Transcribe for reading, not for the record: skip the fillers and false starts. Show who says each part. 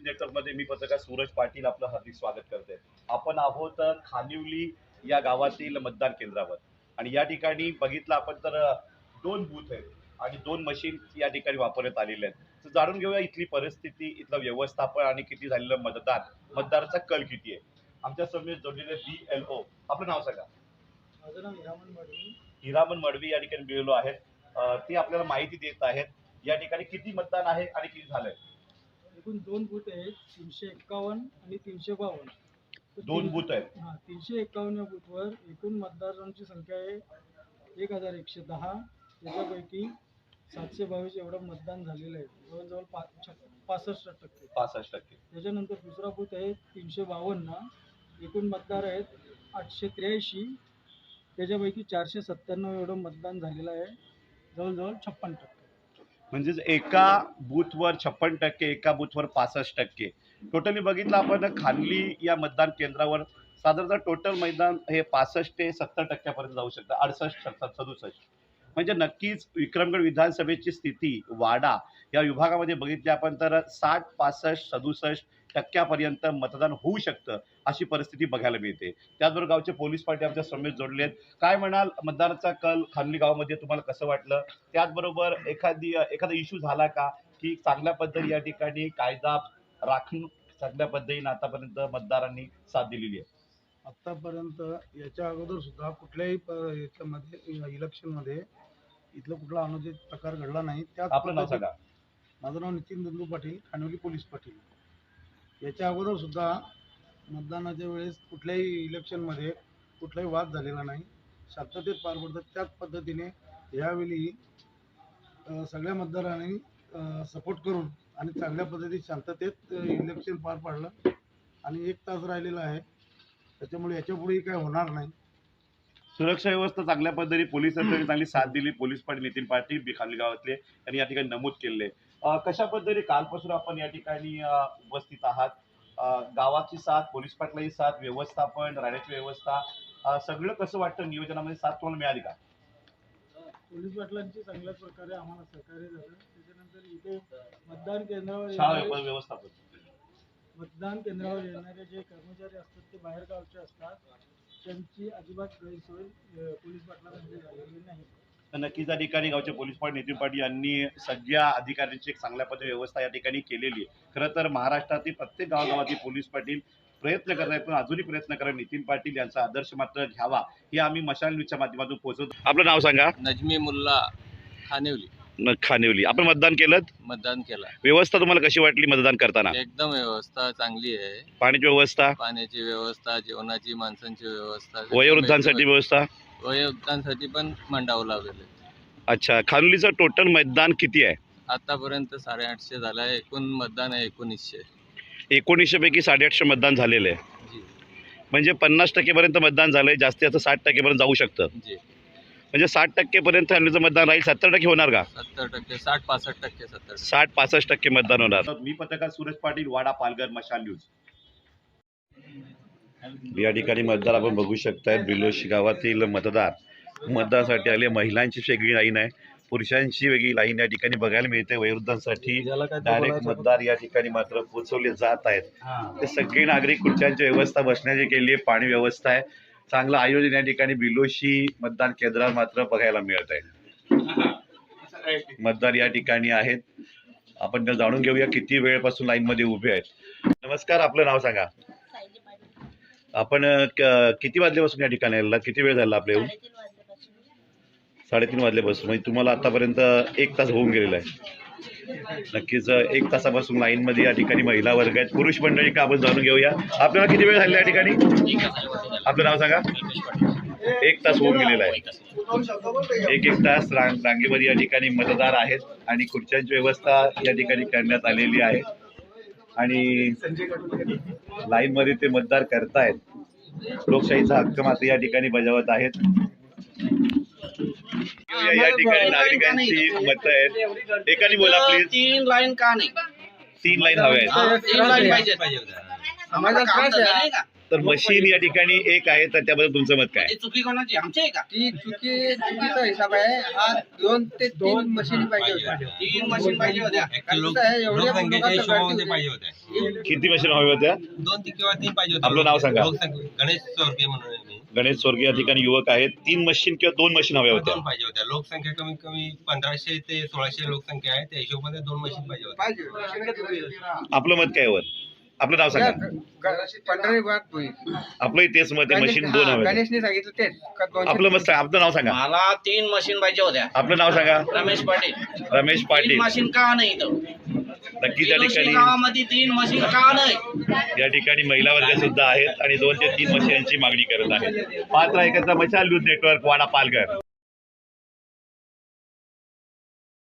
Speaker 1: नेटवर्कमध्ये मी पत्रकार सूरज पाटील आपलं हार्दिक स्वागत करते. आपण आहोत खानिवली या गावातील मतदान केंद्रावर आणि या ठिकाणी बघितलं आपण तर 2 बूथ आहेत आणि 2 मशीन या ठिकाणी वापरण्यात आलेले आहेत. तर जाणून घेऊया इथली परिस्थिती, इथलं व्यवस्थापन आणि किती झालेलं मतदान, मतदाराचा कल किती आहे. आमच्या समोर जोडलेले BLO, आपलं नाव सांगा.
Speaker 2: माझं नाव हिरामन मडवी.
Speaker 1: हिरामन मडवी या ठिकाणी BLO आहेत. ते आपल्याला माहिती देत आहेत या ठिकाणी किती मतदान आहे आणि किती झालंय.
Speaker 2: एकूण 2 बूथ आहेत, 351 आणि 352.
Speaker 1: 2 बूथ आहेत.
Speaker 2: 351 या बूथवर एकूण मतदारांची संख्या आहे 1110. त्याच्यापैकी 722 एवढं मतदान झालेलं आहे, जवळजवळ 65%.
Speaker 1: 65%.
Speaker 2: त्याच्यानंतर दुसरा बूथ आहे 352. एकूण मतदार आहेत 883. त्याच्यापैकी 497 एवढं मतदान झालेलं आहे, जवळजवळ 56%.
Speaker 1: म्हणजेच एका बूथवर 56%, एका बूथवर 65%. टोटली बघितलं आपण खानली या मतदान केंद्रावर साधारणतः टोटल मैदान हे 65 ते 70% जाऊ शकतं, 68, 67. म्हणजे नक्कीच विक्रमगड विधानसभेची स्थिती वाडा या विभागामध्ये बघितली आपण तर 60, 65, 67% मतदान होऊ शकतं अशी परिस्थिती बघायला मिळते. त्याचबरोबर गावचे पोलीस पार्टी आमच्या समोर जोडलेत. काय म्हणाल, मतदानाचा कल खानली गावामध्ये तुम्हाला कसं वाटलं? त्याचबरोबर एखादा इश्यू झाला का की चांगल्या पद्धती या ठिकाणी कायदा राखून चांगल्या पद्धतीने आतापर्यंत मतदारांनी साथ दिलेली आहे?
Speaker 3: आतापर्यंत याच्या अगोदर सुद्धा कुठल्याही याच्यामध्ये इलेक्शनमध्ये इथलं कुठला अनुचित प्रकार घडला नाही. त्यात
Speaker 1: आपलं नाव सांगा.
Speaker 3: माझं नाव नितीन दंदू पाटील, खानवली पोलीस पाटील. याच्या अगोदर सुद्धा मतदानाच्या वेळेस कुठल्याही इलेक्शनमध्ये कुठलाही वाद झालेला नाही, शांततेत पार पडतात. त्याच पद्धतीने यावेळी सगळ्या मतदारांनी सपोर्ट करून आणि चांगल्या पद्धतीत शांततेत इलेक्शन पार पाडलं आणि 1 तास राहिलेला आहे. त्याच्यामुळे याच्यापुढेही काय होणार नाही.
Speaker 1: सुरक्षा व्यवस्था चांगल्या पद्धतीने पोलिसांनी चांगली साथ दिली. पोलीस पाटील नितीन पाटील खानली गावातले यांनी या ठिकाणी नमूद केले. कशा पद्धतीने कालपासून आपण या ठिकाणी उपस्थित आहात? गावाची साथ, पोलीस पाटलाची साथ, व्यवस्थापन, राहण्याची व्यवस्था, सगळं कसं वाटतं? नियोजनामध्ये साथ तुम्हाला मिळाली का?
Speaker 2: पोलीस पाटलांची चांगल्याच प्रकारे आम्हाला सहकार्य झालं. त्याच्यानंतर इथे मतदान केंद्रावर
Speaker 1: व्यवस्थापन,
Speaker 2: मतदान केंद्रावर येणारे जे कर्मचारी असतात ते बाहेर गावचे असतात, त्यांची अजिबात गैरसोय पोलीस पाटलांमध्ये झालेली नाही.
Speaker 1: तर नक्कीच या ठिकाणी गावचे पोलीस पाटील नितीन पाटील यांनी सगळ्या अधिकाऱ्यांची एक चांगल्या पद्धती व्यवस्था या ठिकाणी केलेली आहे. खरं तर महाराष्ट्रातील प्रत्येक गावागावातील पोलीस पाटील प्रयत्न करत आहेत, पण अजूनही प्रयत्न करा नितीन पाटील यांचा आदर्श मात्र घ्यावा हे आम्ही मशाल न्यूजच्या माध्यमातून पोहोचवतो. आपलं नाव सांगा.
Speaker 4: नजमी मुल्ला, खानिवली.
Speaker 1: खानिवली. आपण मतदान केलं?
Speaker 4: मतदान केलं.
Speaker 1: व्यवस्था तुम्हाला कशी वाटली मतदान करताना?
Speaker 4: एकदम व्यवस्था चांगली आहे.
Speaker 1: पाण्याची व्यवस्था,
Speaker 4: पाण्याची व्यवस्था, जेवणाची, माणसांची व्यवस्था,
Speaker 1: वयोवृद्धांसाठी व्यवस्था,
Speaker 4: वयोवृद्धांसाठी पण मंडाव लावलेले.
Speaker 1: अच्छा. खानोलीचं टोटल मतदान किती आहे?
Speaker 4: आतापर्यंत 850 झालं आहे. एकूण मतदान आहे 1900.
Speaker 1: 1900 पैकी 850 मतदान झालेलं आहे.
Speaker 4: जी
Speaker 1: म्हणजे 50% पर्यंत मतदान झालंय. जास्तीत जास्त 60% पर्यंत जाऊ शकतं.
Speaker 4: जी.
Speaker 1: म्हणजे 60% पर्यंत खानोलीचं मतदान राहील. 70% होणार का?
Speaker 4: 70%, 60-65%, 70.
Speaker 1: 60-65% मतदान होणार. मी पत्रकार सूरज पाटील, वाडा, पालघर, मशाल न्यूज. या ठिकाणी मतदार आपण बघू शकताय. बिलोशी गावातील मतदार मतदानासाठी आले. महिलांची वेगळी लाईन आहे, पुरुषांची वेगळी लाईन या ठिकाणी बघायला मिळते. वयोवृद्धांसाठी डायरेक्ट मतदार या ठिकाणी मात्र पोहोचवले जात आहेत. ते सगळे नागरिक खुर्च्यांची व्यवस्था बसण्याची केली आहे. पाणी व्यवस्था आहे. चांगलं आयोजन या ठिकाणी बिलोशी मतदान केंद्रावर मात्र बघायला मिळत आहे. मतदार या ठिकाणी आहेत. आपण जाणून घेऊया किती वेळपासून लाईन मध्ये उभे आहेत. नमस्कार, आपलं नाव सांगा. आपण किती वाजल्यापासून या ठिकाणी आलेला? किती वेळ झाला आपल्या येऊन? 3:30 वाजल्यापासून. म्हणजे तुम्हाला आतापर्यंत 1 तास होऊन गेलेला आहे. नक्कीच 1 तासापासून लाईन मध्ये या ठिकाणी महिला वर्ग आहेत, पुरुष मंडळी का आपण जाणून घेऊया. आपल्याला किती वेळ झाला या ठिकाणी? आपलं नाव सांगा. 1 तास होऊन गेलेला आहे. 1 तास रांगेमध्ये या ठिकाणी मतदार आहेत आणि खुर्च्यांची व्यवस्था या ठिकाणी करण्यात आलेली आहे आणि लाईन मध्ये ते मतदार करतायत. लोकशाहीचा हक्क मात्र या ठिकाणी बजावत आहेत. या ठिकाणी नागरिकांची मतं आहेत. एकाने बोला प्लीज.
Speaker 5: 3 लाईन का नाही?
Speaker 1: 3 लाईन हव्या आहेत.
Speaker 5: 3 लाईन पाहिजे. आम्हाला त्रास आहे.
Speaker 1: तर मशीन या ठिकाणी एक आहे, तर त्याबद्दल तुमचं मत काय?
Speaker 5: चुकी कोणाची आमची आहे का?
Speaker 2: ती चुकीचा हिसाब आहे हा. 2 ते 3 मशीन पाहिजे होत्या.
Speaker 5: 3 मशीन पाहिजे होत्या.
Speaker 2: कारण कसं आहे, एवढ्या
Speaker 5: लोकसंख्येच्या
Speaker 2: लोकांचं
Speaker 5: हिशोबामध्ये
Speaker 2: गर्दी
Speaker 5: पाहिजे होत्या.
Speaker 1: किती मशीन हव्या होत्या?
Speaker 5: 2 किंवा 3 पाहिजे होत्या.
Speaker 1: आपलं नाव सांगा.
Speaker 5: गणेश चौरके म्हणून आहे मी.
Speaker 1: गणेश स्वर्गीय या ठिकाणी युवक आहेत. 3 मशीन किंवा 2 मशीन हव्या होत्या.
Speaker 5: 2 पाहिजे होत्या. लोकसंख्या कमीत कमी 1500 ते 1600 लोकसंख्या आहे, त्या हिशोबाने 2 मशीन पाहिजे होत्या.
Speaker 1: आपलं मत काय वर? आपलं नाव सांगा.
Speaker 2: पंढरी वाघ
Speaker 1: आपलंही तेच मत आहे, मशीन 2 हव्या.
Speaker 2: गणेशने सांगितलं तेच का 200.
Speaker 1: आपलं मत सांगा. आपलं नाव सांगा.
Speaker 5: मला 3 मशीन पाहिजे होत्या.
Speaker 1: आपलं नाव सांगा.
Speaker 5: रमेश पाटील.
Speaker 1: रमेश
Speaker 5: 3
Speaker 1: पाटील.
Speaker 5: मशीन का नाही इथं?
Speaker 1: नक्की त्या
Speaker 5: बिलोशी
Speaker 1: ठिकाणी
Speaker 5: गावामध्ये 3 मशीन का नाही?
Speaker 1: या ठिकाणी महिला वर्ग सुद्धा आहेत आणि 2 ते 3 मशीनची मागणी करत आहेत. पात्र एकत्र मशाल न्यूज नेटवर्क वाडा पालघर.